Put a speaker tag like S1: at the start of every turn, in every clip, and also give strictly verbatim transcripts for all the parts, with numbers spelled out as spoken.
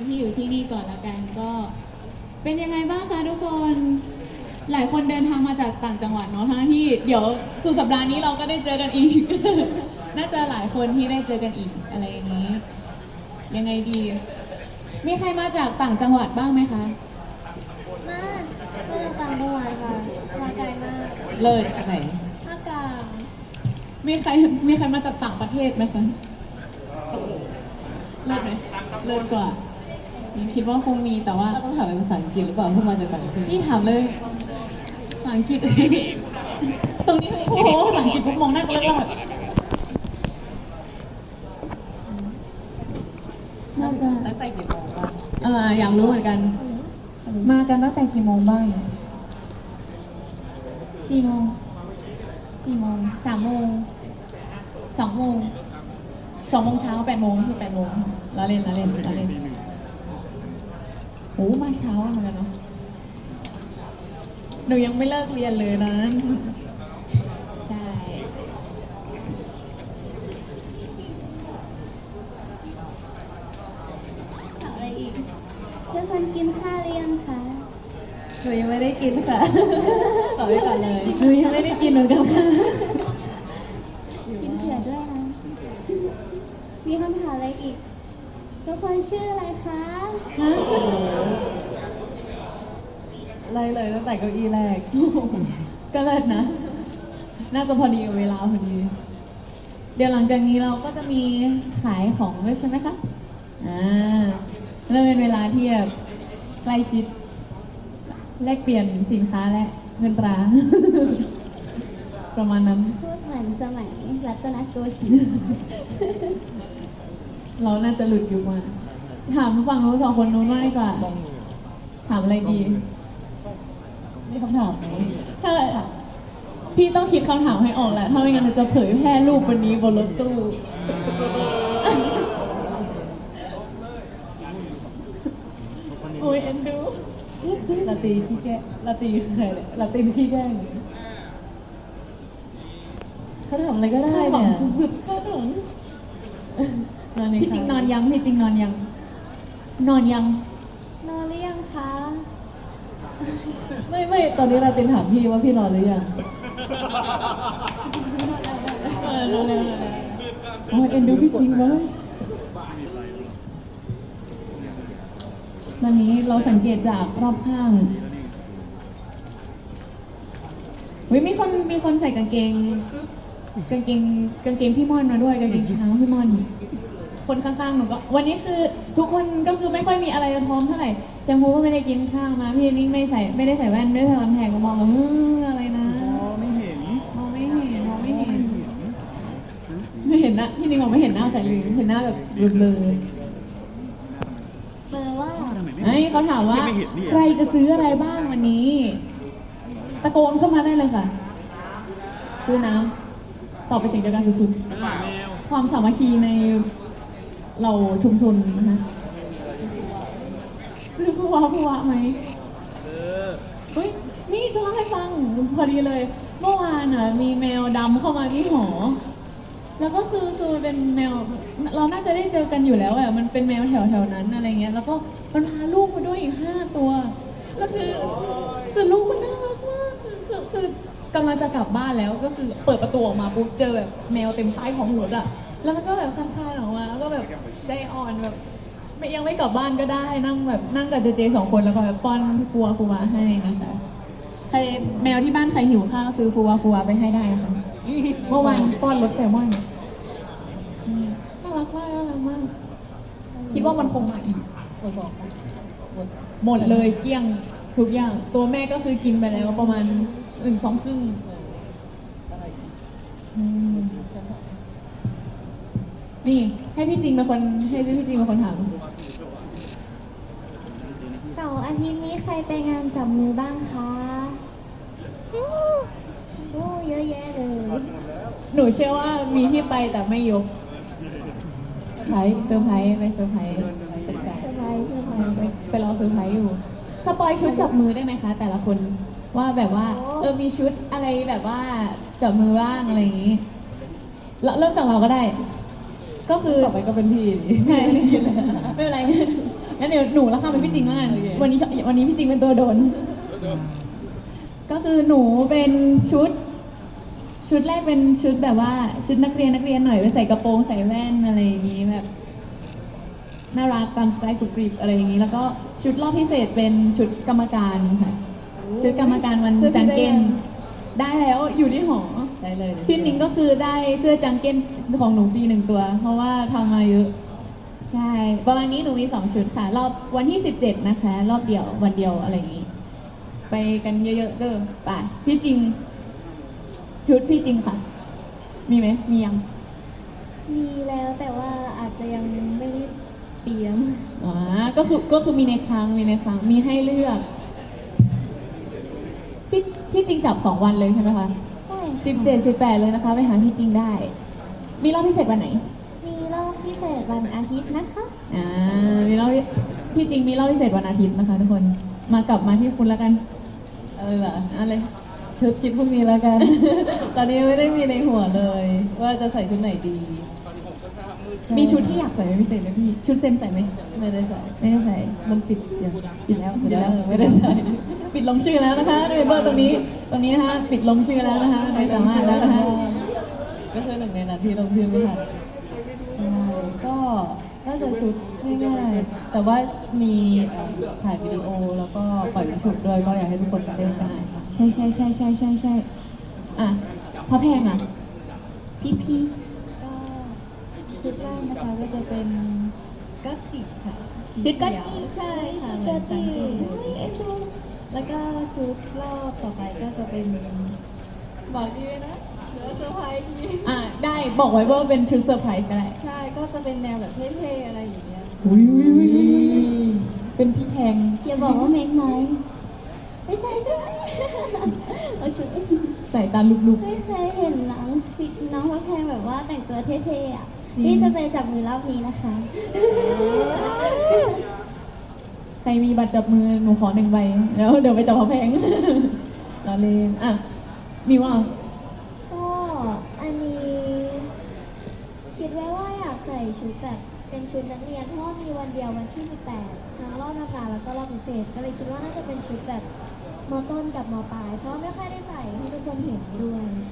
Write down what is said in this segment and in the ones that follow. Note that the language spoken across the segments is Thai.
S1: ที่อยู่ที่นี่ก่อนละกันก็ เป็นยังไงบ้างคะทุกคน หลายคนเดินทางมาจากต่างจังหวัดเนาะทั้งที่เดี๋ยวสุดสัปดาห์นี้เราก็ได้เจอกันอีก น่าจะหลายคนที่ได้เจอกันอีกอะไรอย่างนี้ ยังไงดี มีใครมาจากต่างจังหวัดบ้างไหมคะ
S2: มามาจากต่างจังหวัดค่ะมาไกลมาก
S1: เลิศไหน
S2: ภาคกลาง
S1: มีใครมีใครมาจากต่างประเทศไหมคะเลิศไหมเลิศกว่าคิดว่าคงมีแต่ว่า
S3: เราต้องถามเป็นภาษาอังกฤษหรือเปล่าเพื่อมาจากต่างประเทศ
S1: พี่ถามเลยภาษาอังกฤษ ตรงนี้โอ้โหภาษาอังกฤษปุ๊บมองหน้ากันแล้วก็แบบน่าจะ
S3: ตั้งแต่กี่โมงบ้าง
S1: เอออยากรู้เหมือนกัน มากันตั้งแต่กี่โมงบ้างสี่โมงสี่โมงสามโมงสองโมงสองโมงเช้าแปดโมงคือแปดโมงเราเล่นเราเล่นเราเล่นโอ้มาเช้าเหมือนกันเนาะหนูยังไม่เลิกเรียนเลยนะใช่
S2: ถามอะไรอีกทุกคนกินข้าวหรือยังคะ
S3: หนูยังไม่ได้กินค่ะ ตอบไว้ก่อนเลย
S1: หนูยังไม่ได้กินเหมือนกันค่ะ
S2: กินเผื่อด้วยนะมีคำถามอะไรอีกทุกคนชื่ออะไรคะ
S1: ฮะ
S3: ไล่เลยตั้งแต่เก้าอี้แรก
S1: ก็เลิศนะ น่าจะพอดีกับเวลาพอดี เดี๋ยวหลังจากนี้เราก็จะมีขายของด้วยใช่ไหมคะ อ่าเริ่มเป็นเวลาที่แบบใกล้ชิด แลกเปลี่ยนสินค้าและเงินตรา ประมาณนั้น
S2: พูดเหมือนสมัยรัตนโกสินทร์
S1: เราน่าจะหลุดอยู่มา ถามฝั่งนู้นสองคนนู้นว่างดีกว่า ถามอะไรดี
S3: มีคำถามไหม
S1: ถ้าพี่ต้องคิดคำถามให้ออกแหละ ถ้าไม่งั้นเราจะเผยแพร่รูปวันนี้บนรถตู้ โอ้ยเอ็นดู
S3: ลาตีขี้แก้ลาตีคือใครเนี่ยลาตีขี้แกล้งเขาถามอะไรก็ได้
S1: คาดหวัง
S3: เนี่ย
S1: สุดๆคาดหวัง
S3: นอนใน
S1: พี่จริงนอนยังพี่จริงนอนยัง นอนยัง
S2: นอนหรือยังคะ
S3: ไม่ไม่ตอนนี้ลาตินถามพี่ว่าพี่นอนหรือยัง
S1: เออเร็วเร็วเร็วเร็วโอ้ยเอ็นดูพี่จริงเว้ยตอนนี้เราสังเกตจากรอบข้างเฮ้ยมีคนมีคนใส่กางเกง กางเกงกางเกงพี่ม่อนมาด้วยกางเกงช้างพี่ม่อน คนข้างๆหนูก็วันนี้คือทุกคนก็คือไม่ค่อยมีอะไรจะท้องเท่าไหร่แชมพูก็ไม่ได้กินข้าวมาพี่นี่ไม่ใส่ไม่ได้ใส่แว่นไม่ได้ใส่คอนแทคก็มองแบบเอออะไรนะ
S4: ไม่เห็น
S1: มองไม่เห็นมองไม่เห็น ไม่เห็นหน้าพี่นี่มองไม่เห็นหน้าแต่เลยเห็นหน้าแบบเบลอ
S2: เบอร์ว่า
S1: ๆไอ้ยเขาถามว่า ใครจะซื้ออะไรบ้างวันนี้ ตะโกนเข้ามาได้เลยค่ะ ซื้อน้ำตอบเป็นเสียงเดียวกันสุดๆความสามัคคีในเราชุมชนนะคะซื้อผู้ว่าผู้ว่าไหมเฮ้ยนี่จะเล่าให้ฟังพอดีเลย เมื่อวานอ่ะมีแมวดำเข้ามาที่หอ แล้วก็คือคือมันเป็นแมวเราน่าจะได้เจอกันอยู่แล้วอะมันเป็นแมวแถวแถวๆนั้นอะไรเงี้ยแล้วก็มันพาลูกมาด้วยอีกห้าตัวแล้วคือคือลูกมันน่ารักมากคือคือคือกำลังจะกลับบ้านแล้วก็คือเปิดประตูออกมาปุ๊บเจอแบบแมวเต็มใต้ท้องรถอะแล้วมันก็แบบคลานๆออกมาแล้วก็แบบใจอ่อนแบบไม่ยังไม่กลับบ้านก็ได้นั่งแบบนั่งกับเจเจสองคนแล้วก็แบบป้อนฟัวฟัวให้นะคะใครแมวที่บ้านใครหิวข้าวซื้อฟัวฟัวไปให้ได้นะคะเมื่อวานป้อนรสแซลมอน อืมน่ารักมากน่ารักมาก คิดว่ามันคงมาอีก
S3: หมดบอกปะหมด
S1: หมดเลยเกลี้ยงทุกอย่าง ตัวแม่ก็คือกินไปแล้วประมาณหนึ่งสองครึ่งอืมนี่ให้พี่จริงเป็นคนให้พี่จริงเป็นคนถาม
S2: เสาร์อาทิตย์นี้ใครไปงานจับมือบ้างคะโอ้เยอะแยะเลย
S1: หนูเชื่อว่ามีที่ไปแต่ไม่ยก
S3: ไทย
S1: เซอร์ไพรส์ไปเซอร์ไพรส์
S3: เป็นไก่
S2: สบายสบาย
S1: ไปไปรอเซอร์ไพรส์อยู่ สปอยชุดจับมือได้ไหมคะ แต่ละคนว่าแบบว่า เออมีชุดอะไรแบบว่าจับมือบ้างอะไรอย่างนี้แล้วเริ่มจากเราก็ได้ ก็คือ
S3: ต่อไปก็เป็นพี่ดิ
S1: ใช่ไม่เป็นไรงั้นเดี๋ยวหนูแล้วค่ะเป็นพี่จริงแล้วกัน
S3: โอเค
S1: วันนี้ชอบวันนี้พี่จริงเป็นตัวโดน ก็คือหนูเป็นชุด ชุดแรกเป็นชุดแบบว่าชุดนักเรียนนักเรียนหน่อยไปใส่กระโปรงใส่แว่นอะไรอย่างนี้แบบน่ารักตามสไตล์กรุบกริบอะไรอย่างนี้ แล้วก็ชุดรอบพิเศษเป็นชุดกรรมการค่ะชุดกรรมการวันจังเก้นได้แล้วอยู่ที่หอ
S3: ได้เลย
S1: พี่นิ้งก็คือได้เสื้อจังเก้นของหนูฟรีหนึ่งตัว เพราะว่าทำมาเยอะ ใช่ประมาณนี้หนูมีสองชุดค่ะ รอบวันที่สิบเจ็ดนะคะ รอบเดียววันเดียวอะไรอย่างนี้ ไปกันเยอะๆเด้อไปพี่จริง ชุดพี่จริงค่ะ มีไหมมียัง
S2: มีแล้วแต่ว่าอาจจะยังไม่ได้เตรียม
S1: อ่าก็คือก็คือมีในครั้งมีในครั้งมีให้เลือก พี่พี่จริงจับสองวันเลยใช่ไหมคะ
S2: ใช่
S1: สิบเจ็ดสิบแปดเลยนะคะ ไปหาพี่จริงได้ มีรอบพิเศษวันไหน
S2: มีรอบพิเศษวันอาทิตย์นะคะ
S1: อ่ามีรอบพิพี่จริงมีรอบพิเศษวันอาทิตย์นะคะ ทุกคนมากลับมาที่คุณแล้วกัน
S3: อะไรล่ะ
S1: เอะไร
S3: ชุดคิดพรุ่งนี้แล้วกัน ตอนนี้ไม่ได้มีในหัวเลย ว่าจะใส่ชุดไหนดี
S1: มีชุดที่อยากใส่เป็นพิเศษไหมพี่ ชุดเซมใส่ไหม
S3: ไม่ได้ใส่
S1: ไม่ได้ใส่
S3: มันปิดอย่าง
S1: ปิดแล้วปิด
S3: เดี๋ยว
S1: แล้ว
S3: ไม่ได้ใส่
S1: ปิดลงชื่อแล้วนะคะด้วยเบอร์ตรงนี้ตรงนี้นะคะปิดลงชื่อแล้วนะคะไม่สามารถแล้วนะคะ
S3: ก็คือหนึ่งในนั้นที่ลงชื่อไม่ทันใช่ก็น่าจะชุดง่ายๆแต่ว่ามีเอ่อถ่ายวิดีโอแล้วก็ปล่อยวิชุดด้วยก็อยากให้ทุกคนไปเล่นกัน
S1: ใช่ใช่ใช่ใช่ใช่ใช่อ่ะพระแพงอ่ะ พี่พี่
S3: ก็ชุดแรกนะคะก็จะเป็นกัจจิค่ะ
S1: ชุดกัจจิ
S3: ใช่ค่ะ
S2: ชุดกัจจิ
S3: แล้วก็ชุดรอบต่อไปก็จะเป็น
S1: บอกดีเลยนะเดี๋ยวเซอร์ไพรส์ทีอ่ะได้บอกไว้ว่าเป็นชุดเซอร์ไพรส์ก็ได้
S3: ใช่ก็จะเป็นแนวแบบเท่ๆอะไรอย่างเงี้ย
S1: อุ้ยอุ้ยอุ้ยอุ้ยเป็นพี่แพง
S2: อย่าบอกว่าเมกไนท์ไม่ใช่ใช่ไหมเอาชุด
S1: ใส่ตาลุก
S2: ไม่เคยเห็นน้องสิน้องพระแพงแบบว่าแต่งตัวเท่ๆอ่ะ
S1: จริง
S2: นี่จะไปจับมือรอบนี้นะคะ
S1: ๆใครมีบัตรจับมือหนูขอหนึ่งใบแล้วเดี๋ยวไปจับพระแพง เราเล่นอ่ะมิวอ่ะ
S2: ก็อันนี้ คิดไว้ว่าอยากใส่ชุดแบบเป็นชุดนักเรียนเพราะว่ามีวันเดียววันที่สิบแปดทั้งรอบธรรมดาแล้วก็รอบพิเศษ ก็เลยคิดว่าน่าจะเป็นชุดแบบมต้นกับมปลาย เพราะไม่ค่อยได้ใส่ให้ทุกคนเห็นด้วยใช่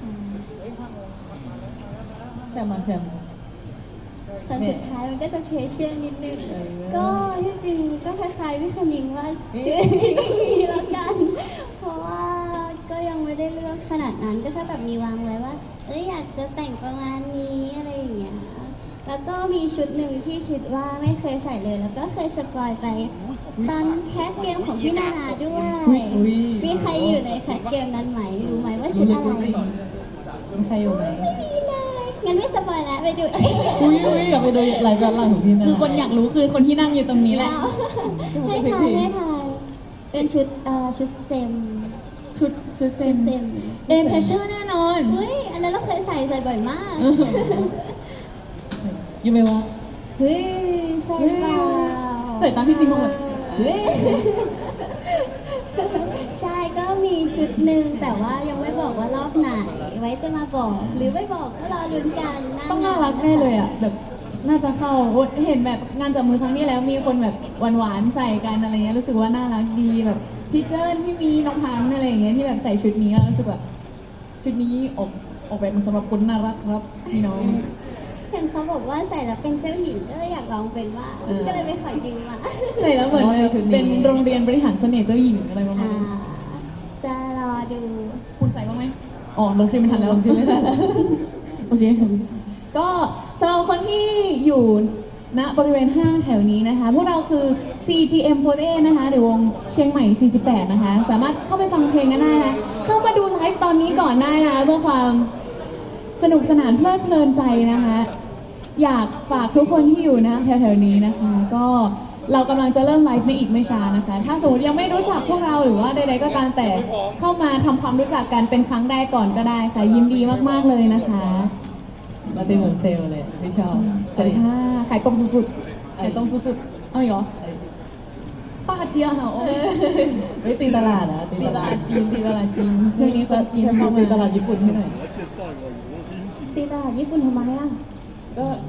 S3: แชมป์มาแชมป์
S2: แต่สุดท้ายมันก็จะเคเชียลนิดนึง
S3: เออ
S2: ก็ที่จริงก็คล้ายๆพี่คณิงว่าชื่อคิดนี้แล้วกัน เพราะว่าก็ยังไม่ได้เลือกขนาดนั้นก็แค่แบบมีวางไว้ว่าเอ้ยอยากจะแต่งประมาณนี้อะไรอย่างเงี้ย แล้วก็มีชุดหนึ่งที่คิดว่าไม่เคยใส่เลย แล้วก็เคยสปอยไปตอนแคสเกมของพี่นานาด้วย มีใครอยู่ในแคสเกมนั้นไหมรู้ไหมว่าชุดอะไร
S3: มีใครอยู่ไหม
S2: ไม่มีเลยงั้นไม่สปอยแล้วไปดู
S1: อุ้ยอุ้ย
S3: กลับไปดูไลฟ์ย้อนหลังของพี่นะ
S1: คือคนอยากรู้คือคนที่นั่งอยู่ตรงนี้แหละ
S2: ให้ทายให้ทายเป็นชุดเอ่อชุดเซม
S1: ชุดชุดเซ
S2: ชุ
S1: ม
S2: ดเซม
S1: เอ็มเพชเชอร์แน่นอน
S2: เฮ้ยอันนั้นเราเคยใส่ใส่บ่อยมาก
S1: ยูไหมวะ
S2: เฮ้ยใช่เปล่า
S1: ใส่ตามพี่จริงมาหมด
S3: เฮ้ย
S2: ใช่ก็มีชุดหนึ่งแต่ว่ายังไม่บอกว่ารอบไหน ไว้จะมาบอก หรือไม่บอกก็รอลุ้นกันห
S1: ต้องน่ารักแน่เลยอ่ะแบบน่าจะเข้าโอ๊ยเห็นแบบงานจับมือครั้งนี้แล้วมีคนแบบหวานๆใส่กันอะไรเงี้ยรู้สึกว่าน่ารักดีแบบพี่เจิ้นพี่มีน้องพันธุ์อะไรอย่างเงี้ยที่แบบใส่ชุดนี้แล้วรู้สึกแบบชุดนี้ออกออกแบบมาสำหรับคนน่ารักครับพี่น้อง
S2: เห็นเขาบอกว่าใส่แล้วเป็นเจ้าหญิงก็เลยอยากลองเป็นว่าง
S1: เออ
S2: ก็เลยไปขอยืมมา
S1: ใส่แล้วเหมือนแบบเป็นโรงเรียนบริหารเสน่ห์เจ้าหญิงอะไรประมาณ
S2: อ่า
S1: นี้
S2: จะรอดู
S1: คุณใส่บ้างไหมอ๋อลงชื่อไม่ทันแล้ว
S3: ลงชื่อไม่ทันแล้ว
S1: โอเค ก็สำหรับคนที่อยู่ณบริเวณห้างแถวนี้นะคะ พวกเราคือ ซี จี เอ็ม โฟร์ตี้ นะคะ หรือวงเชียงใหม่ สี่สิบแปด นะคะ สามารถเข้าไปฟังเพลงกันได้นะ เข้ามาดูไลฟ์ตอนนี้ก่อนได้นะคะเพื่อความสนุกสนานเพลิดเพลินใจนะคะ อยากฝากทุกคนที่อยู่นะแถวๆนี้นะคะ ก็เรากำลังจะเริ่มไลฟ์ในอีกไม่ช้านะคะ ถ้าสมมติยังไม่รู้จักพวกเราหรือว่าใดๆก็ตามแต่เข้ามาทำความรู้จักกันเป็นครั้งแรกก่อนก็ได้ค่ะ ยินดีมากๆเลยนะคะ
S3: มาเป็นเหมือนเซลล์เลยไม่ชอบ
S1: สวัสดีค่ะขายตรงสุดๆขายตรงสุดๆเอาอีกเหรอป้าเจียเหรอโอ้ย
S3: ไม่ตีตลาดนะ
S1: ตีตลาดจีนตีตลาดจีนเรื่องนี้คนจีน
S3: แชม
S1: เข้า
S3: ป์
S1: มา
S3: ตีตลาดญี่ปุ่นให้หน่อย
S2: ตีตลาดญี่ปุ่นทำไมอ่ะ
S3: ก็แบบ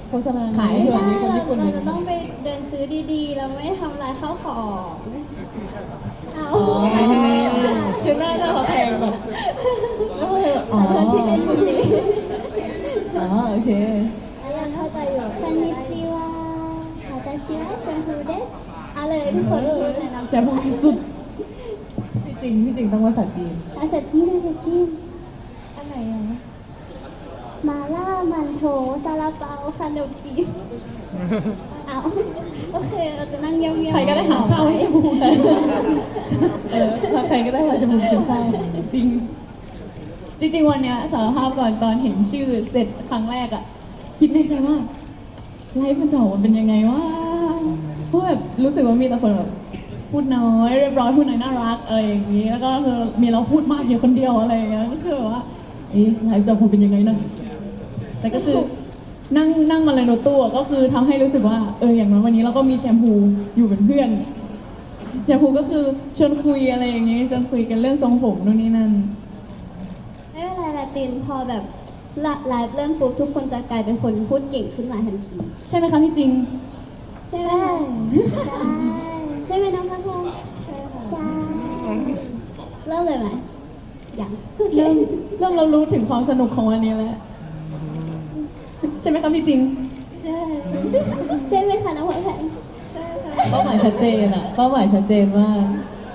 S3: โฆษณา
S1: ขาย
S3: เผื่อ
S2: ใช่
S3: มีคน
S2: เรา
S3: ญี่ปุ่น
S2: เราจะต้องไปเดินซื้อดีๆ เราไม่ทำลายข้าวของเอา
S3: อ๋อคือหน้าหน้าเขาแพงแบบแล้วก็เลยอ๋
S2: ข
S3: อ
S2: อโทษที่เล่นมุกนี้
S3: อ๋อโอเค
S2: ยังเข้าใจอยู่คอนนิจิวะวาตาชิวะแชมพูเดสเอาเลยทุกคนพูดแนะนำ
S1: แชมพูสุด
S3: พี่จริงพี่จริงต้องภาษาจีน
S2: ภาษาจีนภาษาจีน
S1: อันไหนอ่ะ
S2: มาล่ามันโถซาลาเปาขนมจีนเอาโอเคเราจะนั่งเงียบๆ
S1: ใครก็ได้หาข้าวให้ชมพู
S3: เออถ้าใครก็ได้มาชมพูกินข้าว
S1: จริง จริงๆวันเนี้ยสารภาพก่อนตอนเห็นชื่อเสร็จครั้งแรกอะคิดในใจว่าไลฟ์มันจะออกมาเป็นยังไงวะเพราะแบบรู้สึกว่ามีแต่คนแบบพูดน้อยเรียบร้อยพูดน้อยน่ารักอะไรอย่างนี้ แล้วก็คือมีเราพูดมากอยู่คนเดียวอะไรอย่างเงี้ยก็คือแบบว่าเอ๊ะไลฟ์จะออกมาเป็นยังไงนะแต่ก็คือนั่งนั่งมาเลยรถตู้อะก็คือทำให้รู้สึกว่าเอออย่างน้อยวันนี้เราก็มีแชมพูอยู่เป็นเพื่อนแชมพูก็คือชวนคุยอะไรอย่างงี้ชวนคุยกันเรื่องทรงผมนู่นนี่นั่น
S2: ไม่เป็นไรลาตินพอแบบไลฟ์เริ่มปุ๊บทุกคนจะกลายเป็นคนพูดเก่งขึ้นมาทันที
S1: ใช่ไหมคะพี่จริง
S2: ใช่ไหมคะใช่ใช่ไหมน้องพักแพงใช่ค่ะใช่เริ่มเลยไหมยังโอเค
S1: เริ่มเริ่มเรารู้ถึงความสนุกของวันนี้แล้ว ใช่ไหมคะพี่จริง
S2: ใช่ใช่ไหมคะน้องพักแพงใช่ค่ะ
S3: เป้าหมายชัดเจนอะเป้าหมายชัดเจนมาก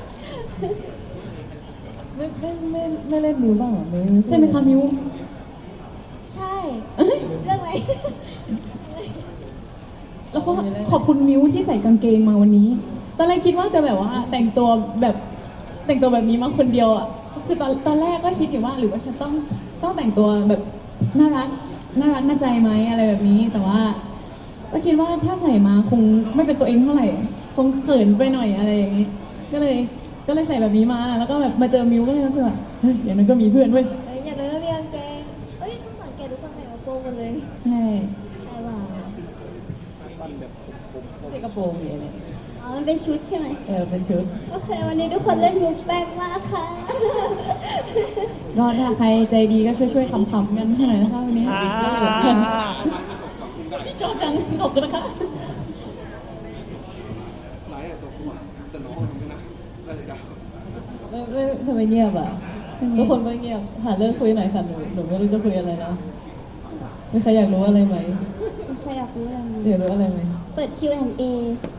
S3: ไม่ไม่ไม่ไม่เล่นมิวบ้างเหรอไม่ไม่
S1: ใช่ไหมคะมิว
S2: ใช่เรื่องอะไร
S1: แล้วก็ขอบคุณมิวที่ใส่กางเกงมาวันนี้ ตอนแรกคิดว่าจะแบบว่าแต่งตัวแบบแต่งตัวแบบนี้มาคนเดียวอ่ะ คือตอนตอนแรกก็คิดอยู่ว่าหรือว่าฉันต้องต้องแต่งตัวแบบน่ารักน่ารักน่าใจไหมอะไรแบบนี้ แต่ว่า ก็คิดว่าถ้าใส่มาคงไม่เป็นตัวเองเท่าไหร่ คงเขินไปหน่อยอะไรอย่างนี้ ก็เลยก็เลยใส่แบบนี้มา แล้วก็แบบมาเจอมิวก็เลยรู้สึกว่าเฮ้ยอย่างนั้นก็มีเพื่อนเว้ย
S2: เอ้ยอย่างน้อยก็มีกางเกงเอ้ยต้องสังเกตทุกคนใส่กระโปรงหมดเลย
S1: ใช่
S2: ใช่ว่า
S3: ใส่กระโปรงอย่างเงี้ย
S2: อ๋อมันเป็นชุดใช่ไหม
S3: เออเป็นชุด
S2: โอเค วันนี้ทุกคนเล่นมุกแปลกมากค่ะ
S1: ก็ถ้าใครใจดีก็ช่วยช่วยๆขำๆกันให้หน่อยนะคะวันนี้ชอบจังขอบคุณนะคะ
S3: ไม่ไม่ทำไมเงียบอ่ะทุกคนก็เงียบหาเรื่องคุยหน่อยค่ะหนูหนูไม่รู้จะคุยอะไรแล้วมีใครอยากรู้อะไรไหม
S2: ใครอยากรู้อะไรไหม
S3: อยากรู้อะไรไหม
S2: เปิด คิว แอนด์ เอ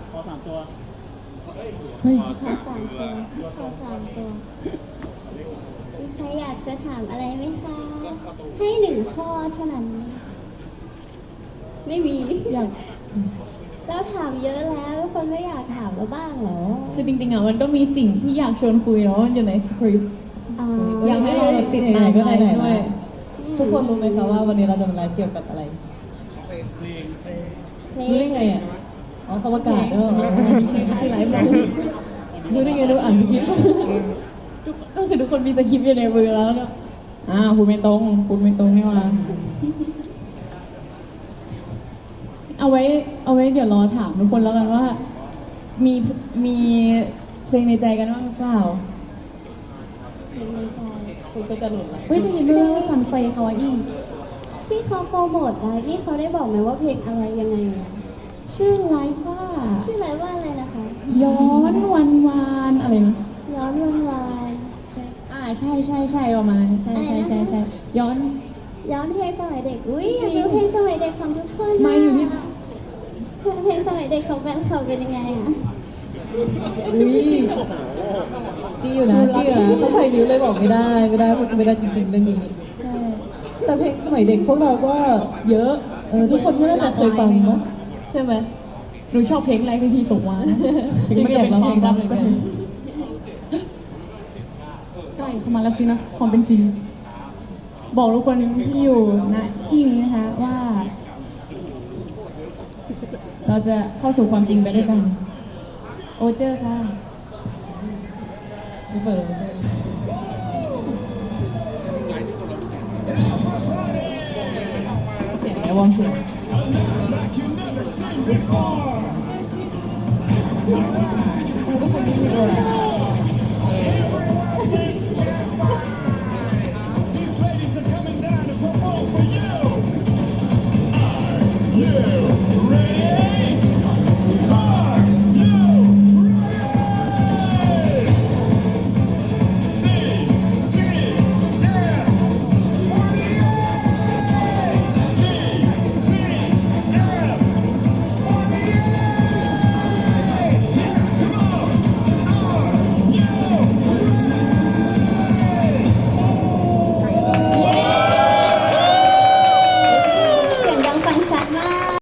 S1: เฮ้ย
S2: ขอสามตัวขอสามตัวมีใครอยากจะถามอะไรไหมคะ ให้หนึ่งข้อเท่านั้น ไม่มี
S1: อยาก
S2: เราถามเยอะแล้วทุกคนไม่อยากถามเราบ้างเหรอ
S1: คือจริงๆอ่ะมันก็มีสิ่งที่อยากชวนคุยแล้วมันอยู่ในสคริปต์
S2: อ๋อ
S1: อยากให้เราติดตาม
S3: ก็
S1: ไล
S3: ไหน
S1: ฟ์
S3: ๆ
S1: ด้วย
S3: ทุกคนรู้ไหมคะว่าวันนี้เราจะมาไลฟ์เกี่ยวกับอะไร
S2: เพล
S3: รู้ได้
S2: ง
S3: ไงอ่ะอ๋อเขาประกาศด้วยเหรอ
S1: มีเพลงที่ไลฟ์บอก
S3: รู้ได้ไงรู้อ่านสคริปต์
S1: ก็คือทุกคนมีสคริปต์อยู่ในมือแล้วก็อ่าพูดไม่ตรงพูดไม่ตรงนี่หว่าเอาไว้ เอาไว้เดี๋ยวรอถามทุกคนแล้วกันว่า มีมีเพลงในใจกันบ้างหรือเปล่า
S2: เพลงในใจ
S3: คุณก็จะหลุดละ
S1: เฮ้ยได้ยินด้วยว่าซันไฟคาวาอี้
S2: ที่เขาโปรโมทไลฟ์นี่เขาได้บอกไหมว่าเพลงอะไรยังไงอะ
S1: ชื่อไลฟ์ว่า
S2: ชื่อไลฟ์ว่าอะไรนะคะ
S1: ย้อนวันวานอะไรนะ
S2: ย้อนวันวาน
S1: อ่าใช่ใช่ใช่ประมาณนั้นใช่ใช่ใช่ใช่ย้อน
S2: ย้อนเพลงสมัยเด็ก อุ้ยอยากดูเพลงสมัยเด็กของทุกคนนะ
S1: มาอยู่ที่
S2: เพลงสมัยเด็กของแฟนเขาเป็นยังไงอะ
S3: อุ้ยจี้อยู่นะจี้อยู่นะเขาใครนิ้วเลยบอกไม่ได้ไม่ได้ไม่ได้จริงๆเรื่องนี้
S1: ใช่
S3: แต่เพลงสมัยเด็กพวกเราก็
S1: เยอะ
S3: เออทุกคนก็น่าจะเคยฟังมั้ยใช่ไหม
S1: หนูชอบเพลงแรกที่พี่ส่งมานะถึงมันจะเป็นความลับก็เถอะใกล้เข้ามาแล้วสินะความเป็นจริง บอกทุกคนที่อยู่ณที่นี้นะคะว่า เราจะเข้าสู่ความจริงไปด้วยกัน โอเจอร์ค่ะ
S3: ไม่เปิดเสียงไอ้วองเสียง
S4: Yeah.
S3: ค่ะ